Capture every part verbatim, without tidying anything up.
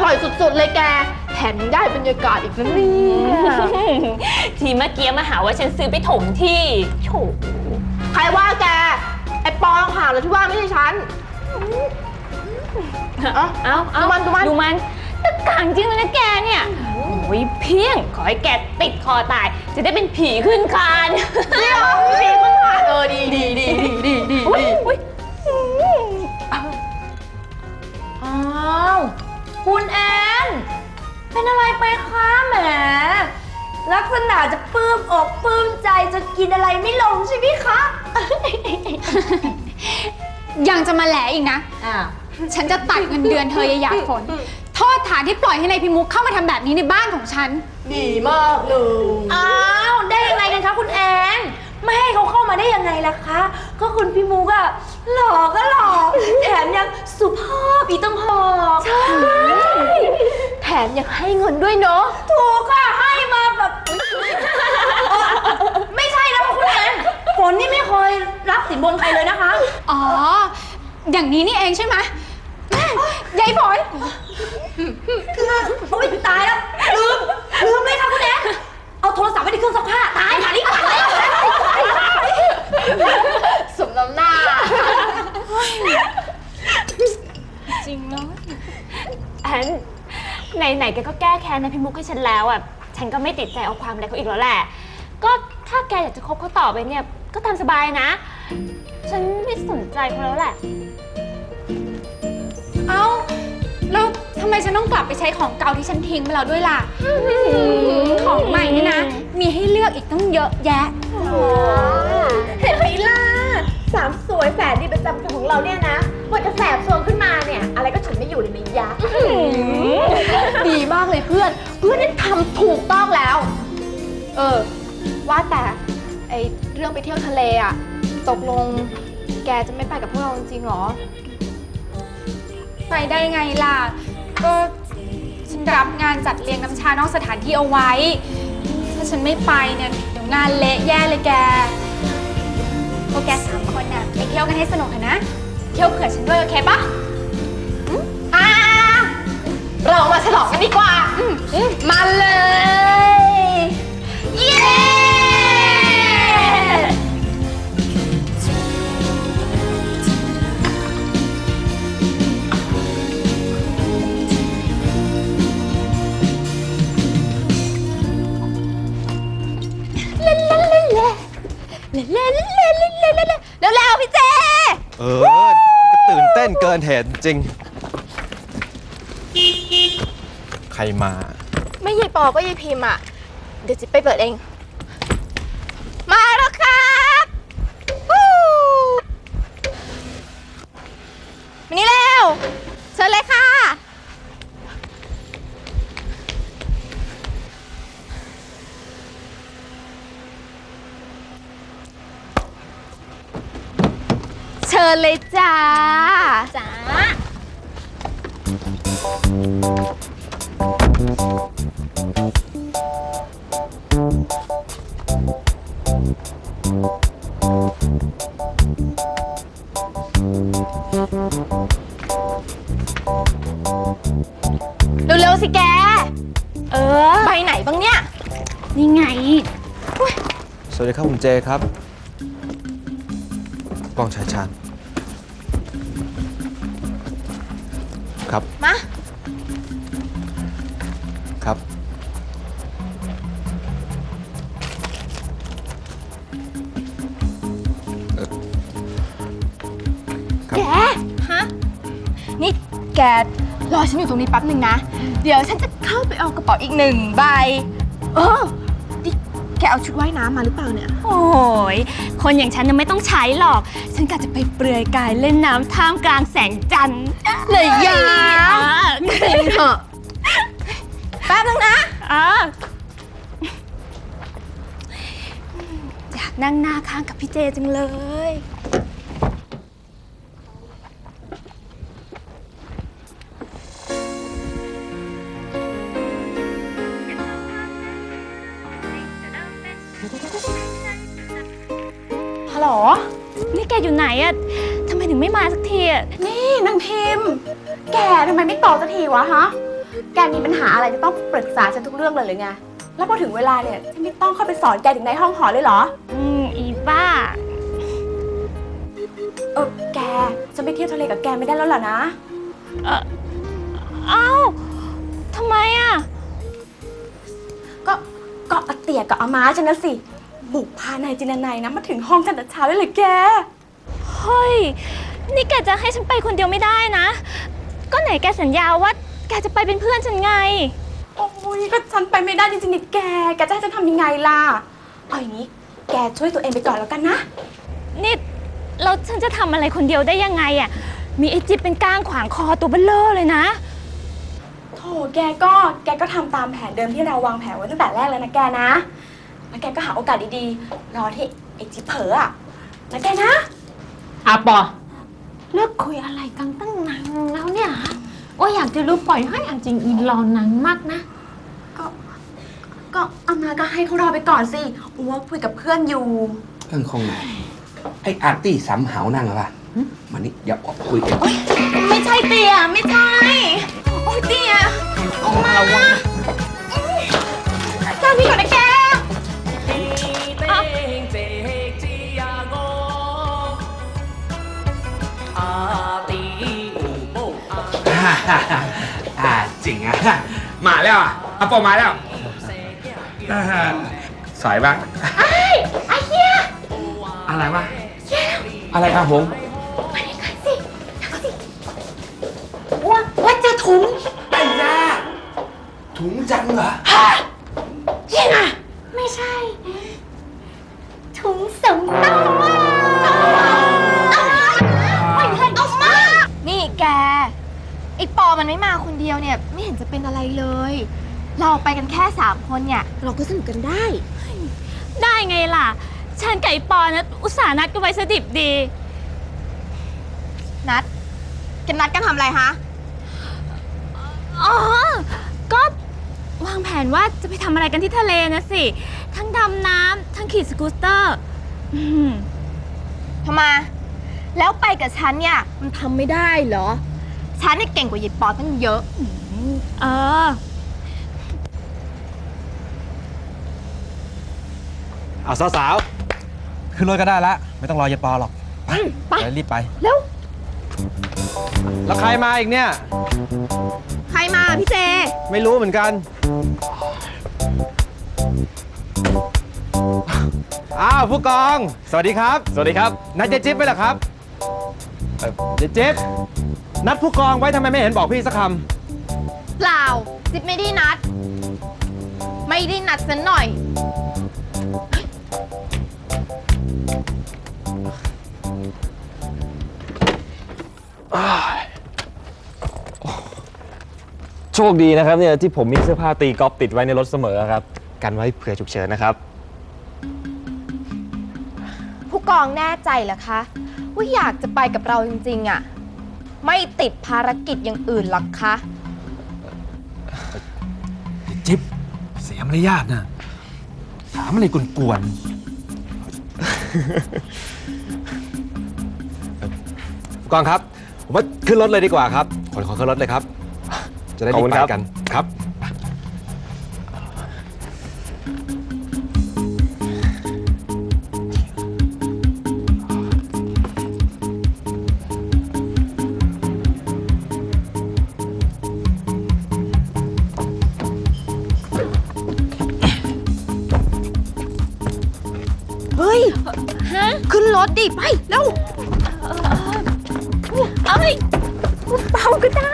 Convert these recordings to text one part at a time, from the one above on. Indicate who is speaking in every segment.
Speaker 1: ร่อยสุดๆเลยแกแถมยังได้บรรยากาศอีกนะเนี่ย
Speaker 2: ทีเมื่อกี้มาหาว่าฉันซื้อไปถมที่โถ
Speaker 1: ใครว่าแกไอ้ปองข่าวแล้วที่ว่าไม่ใช่ฉัน
Speaker 2: เอาเอาเอา
Speaker 1: ดูมันดูมัน
Speaker 2: ดูมันตะกางจริงเลยนะแกเนี่ยโอ้ยเพี้ยงขอให้แกติดคอตายจะได้เป็นผีขึ้นคาน
Speaker 1: เดี๋ยวผีขึ้นคานเออดีดีดีดีดีดี
Speaker 3: อ้าวคุณแอนเป็นอะไรไปคะแหมลักษณะจะปลื้มอกปลื้มใจจะกินอะไรไม่ลงใช่ไหมคะ
Speaker 4: ยังจะมาแหลอีกนะ
Speaker 3: อ้าว
Speaker 4: ฉันจะตัดเงินเดือนเธออย่าหยาดฝนโทษฐานที่ปล่อยให้นายพิมุกเข้ามาทำแบบนี้ในบ้านของฉัน
Speaker 1: ดีมากเลย
Speaker 3: อ้าวได้ยังไงกันคะคุณแอนไม่ให้เขาเข้ามาได้ยังไงล่ะคะก็คุณพี่มุกอะหล่อก็หล่อแถมยังสุภาพอีกต้องหอก
Speaker 1: ใช่แถมยังให้เงินด้วยเนาะ
Speaker 3: ถูกค่ะให้มาแบบไม่ใช่นะคุณแอนฝนนี่ไม่เคยรับสินบนใครเลยนะคะ
Speaker 4: อ๋ออย่างนี้นี่เองใช่ไหมยายฝน
Speaker 3: คือโอ๊ยตายแล้วลืมลืมเลยค่ะคุณแอนเอาโทรศัพท์ไว้ในเครื่องซักผ้าตายค่ะนี่ตายแล้ว
Speaker 1: สมน้ำหน้า
Speaker 4: จริงเนาะ
Speaker 2: อันไหนๆแกก็แก้แค้นนะพี่มุกให้ฉันแล้วอ่ะฉันก็ไม่ติดใจเอาความอะไรเขาอีกแล้วแหละก็ถ้าแกอยากจะคบเขาต่อไปเนี่ยก็ตามสบายนะฉันไม่สนใจเขาแล้วแหละ
Speaker 4: เอ้าแล้วทำไมฉันต้องกลับไปใช้ของเก่าที่ฉันทิ้งไปแล้วด้วยล่ะของใหม่นี่นะมีให้เลือกอีกต้องเยอะแยะ
Speaker 1: เห็นไหมล่ะสามสวยแสนดีประจำตัวของเราเนี่ยนะพอจะแสบโซนขึ้นมาเนี่ยอะไรก็ฉุนไม่อยู่เลยนะยะดีมากเลยเพื่อนเพื่อนนี่ทำถูกต้องแล้วเออว่าแต่ไอเรื่องไปเที่ยวทะเลอะตกลงแกจะไม่ไปกับพวกเราจริงๆหรอ
Speaker 4: ไปได้ไงล่ะก็ฉันรับงานจัดเลี้ยงน้ำชานอกสถานที่เอาไว้ถ้าฉันไม่ไปเนี่ยเดี๋ยวงานเละแย่เลยแกพวกแกสามคนน่ะไปเที่ยวกันให้สนุกนะเที่ยวเผื่อฉันด้วยโอเคปะ
Speaker 1: อ่าเรามาฉลองกันดีกว่ามาเลยเย้แล้วพี่เจ
Speaker 5: เออก็ตื่นเต้นเกินเหตุจริงใครมา
Speaker 1: ไม่ยายปอก็ยายพิมพ์อ่ะเดี๋ยวจิ๊บไปเปิดเองมาแล้วครับมานี่เร็วเชิญเลยค่ะเชิญเลยจ้าจ้าเร็วๆสิแกเออไปไหนบ้างเนี่ย
Speaker 4: นี่ไง
Speaker 5: สวัสดีครับคุณเจครับกองชายชาญครับ
Speaker 1: มา
Speaker 5: ครับ
Speaker 1: แกฮะนี่แกรอฉันอยู่ตรงนี้แป๊บหนึ่งนะเดี๋ยวฉันจะเข้าไปเอากระเป๋าอีกหนึ่งใบเออนี่แกเอาชุดว่ายน้ำมาหรือเปล่าเนี่ย
Speaker 2: โอ้ยคนอย่างฉันยังไม่ต้องใช้หรอกฉันกะจะไปเปลือยกายเล่นน้ำท่ามกลางแสงจันทร์
Speaker 1: เลยยาจริงเหรอแป๊บนึงนะ
Speaker 2: อ่าอยากนั่งหน้าข้างกับพี่เจจังเลย
Speaker 1: ฮัลโหล
Speaker 2: นี่แกอยู่ไหนอะทำไมถึงไม่มาสักทีอะ
Speaker 1: นี่นางพิมพ์แกทำไมไม่ตอบสักทีวะฮะแกมีปัญหาอะไรจะต้องปรึกษาฉันทุกเรื่องเลยหรือไง แล้วพอถึงเวลาเนี่ยฉันไม่ต้องเข้าไปสอนแกถึงในห้องหอเลยเหรอ
Speaker 2: อืม อีบ้า
Speaker 1: เออแกฉันไปเที่ยวทะเลกับแกไม่ได้แล้วเหรอนะ
Speaker 2: เออเอ้าทำไมอ่ะ
Speaker 1: ก็ก็อาเตียกับอาม้าฉันนะสิบุกพานายจินนายนะมาถึงห้องกันแต่เช้าเลยเลยแก
Speaker 2: เฮ้ย นี่แกจะให้ฉันไปคนเดียวไม่ได้นะ ก็ไหนแกสัญญาว่าแกจะไปเป็นเพื่อนฉันไง
Speaker 1: โอ้ยก็ฉันไปไม่ได้จริงๆนี่แก แกจะให้ฉันทำยังไงล่ะ เอาอย่างนี้แกช่วยตัวเองไปก่อนแล้วกันนะ
Speaker 2: นี่เราฉันจะทำอะไรคนเดียวได้ยังไงอ่ะ มีไอจิ๊บเป็นก้างขวางคอตัวเบลเลอร์เลยนะ
Speaker 1: โถแกก็แกก็ทำตามแผนเดิมที่เราวางแผนไว้ตั้งแต่แรกเลยนะแกนะ แล้วแกก็หาโอกาสดีๆ รอที่ไอ้จิ๊บเผลออะนะแกนะ
Speaker 6: อาปอ
Speaker 7: เลิกคุยอะไรกันตั้งนานแล้วเนี่ยฮะโอ้ยอยากจะรู้ปล่อยให้อันจริงอีรอนานมากนะ
Speaker 1: ก็ ก็เอามาก็ให้เขารอไปก่อนสิอัวคุยกับเพื่อนอยู่
Speaker 6: เรื่องของไหนไอ้อาร์ตี้สำเหานั่งเหรอวะมานี่อย่าออกคุยกัน
Speaker 1: ไม่ใช่เตียไม่ใช่ โอ้ยเตียออกมาแค่นี้ก่อนนะแก
Speaker 6: อ่าจริงอ่ะ มาแล้วอ่ะอาปอมาแล้วอ่าสวยบ้างไอ้ไอ้เหี้ยอะไรวะอะไรครับผม
Speaker 1: ว่าว่าจะถุง
Speaker 6: ไอ้ยาถุงจังเหรอ
Speaker 1: ยังไง
Speaker 7: ไม่ใช่ ถุงสำรอง
Speaker 3: นี่แก ไอปอมันไม่มาคนเดียวเนี่ย ไม่เห็นจะเป็นอะไรเลย เราไปกันแค่สามคนเนี่ย เราก็สนุกกันได้
Speaker 2: ได้ไงล่ะ ฉันกับไอปอนะอุตส่าห์นัดกันไว้สดิบดี
Speaker 3: นัดกันนัดกันทำอะไรฮะ
Speaker 2: อ๋อ ก็วางแผนว่าจะไปทำอะไรกันที่ทะเลนะสิ ทั้งดำน้ำทั้งขี่สกูตเตอร์อืม
Speaker 3: ทำไม แล้วไปกับฉันเนี่ย มันทำไม่ได้เหรอ ฉันเนี่ยเก่งกว่ายิปปอตั้งเยอะ
Speaker 2: เออ
Speaker 5: เอาสาวๆขึ้นรถก็ได้ละไม่ต้องรอยายปอหรอก ไปไปรีบไป
Speaker 3: เร็ว
Speaker 5: แล้วใครมาอีกเนี่ย
Speaker 3: ใครมาพี่เจ
Speaker 5: ไม่รู้เหมือนกัน อ้าวผู้กอง สวัสดีครับ สวัสดีครับ นัดเจ๊จิ๊บไปเหรอครับเอ่อเจ๊จิ๊บนัดผู้กองไว้ทำไมไม่เห็นบอกพี่สักค
Speaker 3: เปล่า จิ๊บไม่ได้นัด ไม่ได้นัดสันหน่อย
Speaker 8: โชคดีนะครับเนี่ยที่ผมมีเสื้อผ้าตีกอล์ฟติดไว้ในรถเสมอครับ กันไว้เผื่อฉุกเฉินนะครับ
Speaker 3: ผู้กองแน่ใจเหรอคะ ว่าอยากจะไปกับเราจริงๆอะไม่ติดภารกิจอย่างอื่นหรอกคะ
Speaker 5: ำจิ๊บเสียมารยาทนะถามอะไรกวนๆผู้กองครับ ผมว่าขึ้นรถเลยดีกว่าครับขอขอขึ้นรถเลยครับ จะได้รีบไปกันครับ
Speaker 3: เฮ้ย
Speaker 2: ฮะ
Speaker 3: ขึ้นรถดิ ไปเร็ว
Speaker 2: เอ้ยเบาก็ได้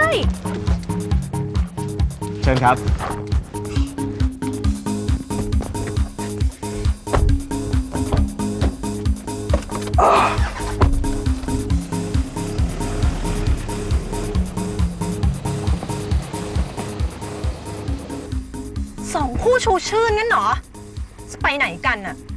Speaker 8: เชิญครับ
Speaker 9: สองคู่ชูชื่นงั้นเหรอ จะไปไหนกันน่ะ